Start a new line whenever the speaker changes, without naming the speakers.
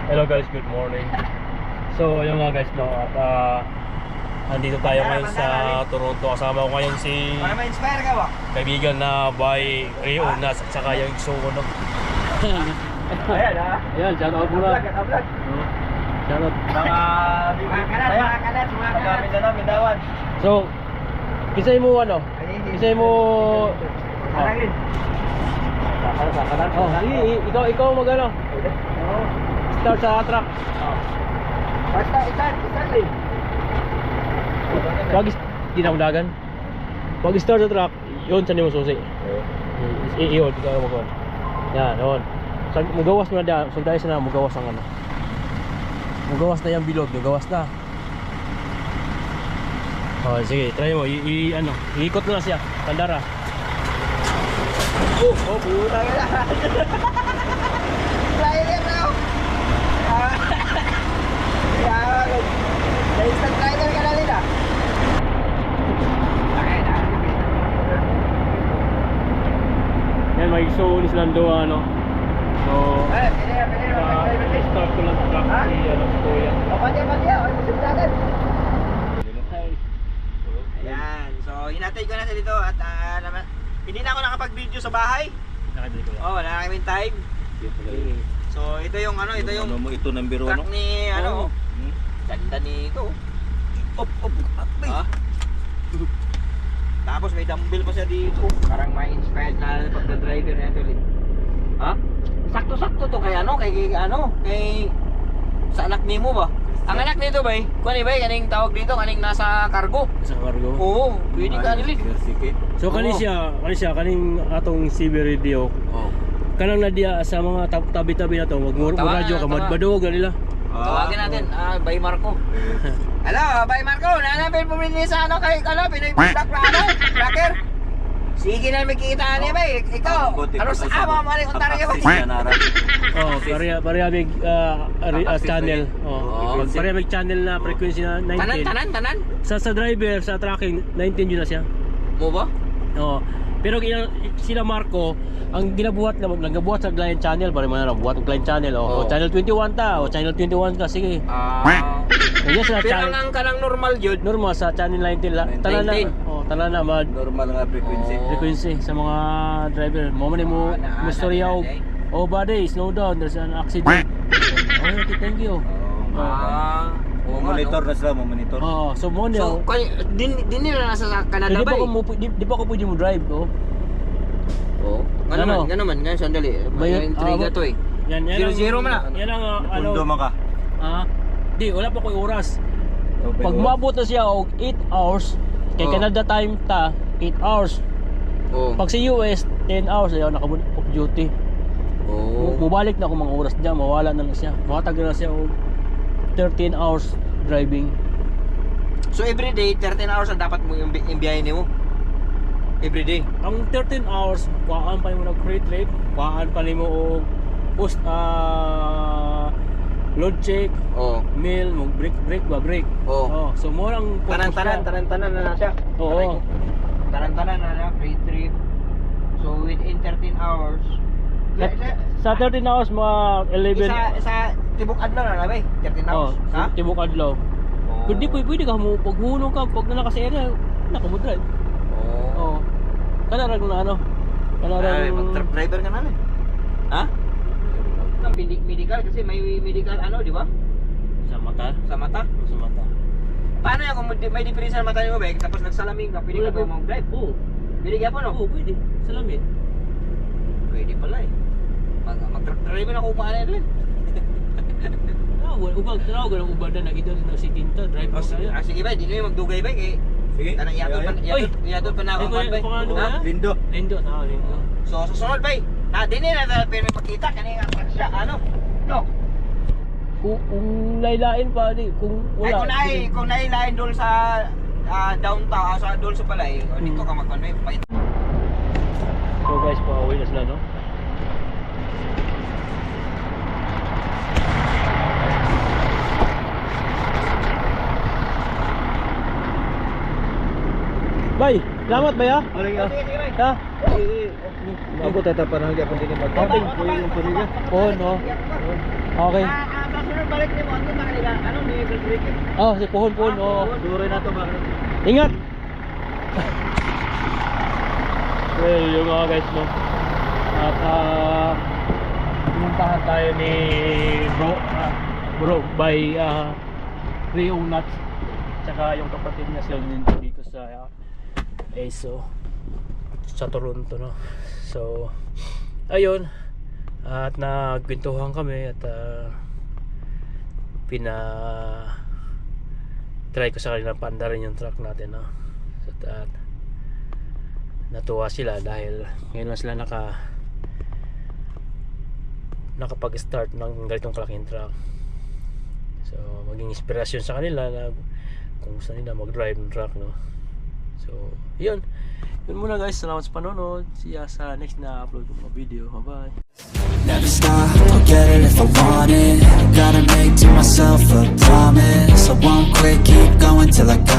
Hello guys, good morning. So ayun nga guys, no, at andito tayo ngayon sa Toronto. Kasama ko ngayon si
Para ma-inspire ka ba?
kaibigan na by Rio na saka yung Isuko, no.
Ayan ha.
Ayan, shout out muna.
Vlog.
Shout out.
Mga kalat. Magamit na namin dawan.
So, kisay mo ano? Kisay mo
Halagin.
Oh, ikaw magano? Start sa truck.
Basta itan din.
Pag dinawdagan. Pag start sa truck, yun sa nimo susi. Iyon, ikaw mo kon. Yan, yun. So, mugawas mo na dyan. So, dahil na mugawas ang ano. Mugawas na yung bilog. Mugawas na. Oh, sige, try mo. Iikot mo na siya. Tandara.
Oh, puta ka na. Flyer na ako. Na-instant rider ka na nila.
Yan, may show ni Slando, ano. So,
Pwede.
start ko lang sa truck.
Ha?
Si Kuya.
O, pati. O, masundagan. Ayan. So, hinatay ko na sa dito at hindi na ako nakapag-video sa bahay.
Nakadali ko lang.
Oh, wala na kaming time. So, ito yung
Ito number 1,
truck ni ganda nito. Up,
Ha?
Tapos may dumbbell pa siya dito. Parang may inspired na pagka-driver na ito ulit. Ha? Sakto-sakto to kay kay sa anak nimo ba? Ang anak nito ba? Kuan ba kaning tawag dito kaning nasa cargo?
Sa cargo.
Oo, pwede ka nilit.
So, kaning atong CB radio.
Oh.
Kanang nadia sa mga tabi-tabi na to, wag mo radyo ka, madbadog na nila.
Tawagin natin, Bay Marco. Hello, Bay Marco. Nanapin po rin sa kay Pinoy Black Blacker. Sige na makikita niya ba? Ikaw, ano sa ama mo rin Ontario ba?
Oh, pareha big channel. Oh, pareha big channel na frequency na 19.
Tanan?
Sa driver, sa tracking, 19 yun na siya.
Mo ba?
Oo. Pero sila Marco, ang ginabuhat na nagabuhat sa client channel, pare man na buhat ng client channel. O channel 21 ta, o channel 21 ka, sige. Kaya sila
pero ang kanang normal jud.
Normal sa channel 19 la. Tanan na
Normal nga
frequency sa mga driver. Mo man mo istorya og body, slow down, there's an accident. Okay, thank you.
Monitor na sila, monitor.
So mo
So, din nila nasa Canada ba?
Di ba ko pwede mo drive,
Nga naman, sandali. May intriga to eh.
Yan
0-0 man na.
Yan ang
Pundo man ka.
Di, wala pa ko oras. Pag maabot na siya og 8 hours, kay Canada time ta, 8 hours. Pag sa US, 10 hours ayaw naka-off duty. Mubalik na ako mga oras diyan, mawala na lang siya. Makatag na siya og 13 hours driving.
So everyday 13 hours ang dapat mo yung biyahe nimo. Everyday.
Ang 13 hours, kuhaan pa mo ng crate rate, kuhaan pa nimo og post load check, meal, mo break. So mo lang
tanan na siya.
Oo.
Tanan na free trip. So within 13 hours.
Sa 13 hours mga 11
sa tibok adlaw na ba? 13 hours.
Ha? Tibok adlaw. Kundi pwede ka mo paghulong ka pag nala ka sa area, naka mo drive. Kana ra na ano? Kana ra
truck driver ka na rin. Ha? Medical kasi may medical di ba?
Sa mata.
Sa mata. Paano yan kung may diferensya sa mata mo ba? Tapos nagsalamin ka, pwede ka ba mag-drive?
Oo.
Pwede ka po no?
Oo, pwede. Salamin.
Pwede pala eh. Mag-truck driver na kung paano rin.
Ubag tanaw ganang ubad na nakita na si Tinta drive mo kaya.
Sige ba, di na yung magdugay ba eh.
Sige.
Kanang iyatod pa na ako ba?
Lindo.
Lindo.
So sa sunod ba? Din na pero makita kanina siya no.
Kung lailain pa di kung wala.
Kung nailain dol sa downtown sa dol sa palay, dito ka magkanay pa.
So guys, pauwi na sila no. Bay, salamat ba ya? Ha?
Ako tatapan lang di ako din mag-camping.
Oh, no. Okay.
kasunod balik ni mo, ano na kanila? Ano, ni Ricky?
Oh, si Puhon, oh.
Duro na to ba?
Ingat! Well, yung mga guys, no? At, pumuntahan tayo ni bro by Rio Nuts. Tsaka yung kapatid niya sila dito sa ESO sa Toronto, no? So, ayun. At nagkwentuhan kami at try ko sa kanila panda rin yung truck natin, no? So, at natuwa sila dahil ngayon lang sila nakapag-start ng ganitong kalaking truck. So maging inspirasyon sa kanila na kung saan nila mag-drive ng truck, no? So yun muna guys, salamat sa panonood. See ya sa next na upload ng mga video. Bye bye.
Never stop, I'll get it if I want it. Gotta make to myself a promise. I won't quit, keep going till I got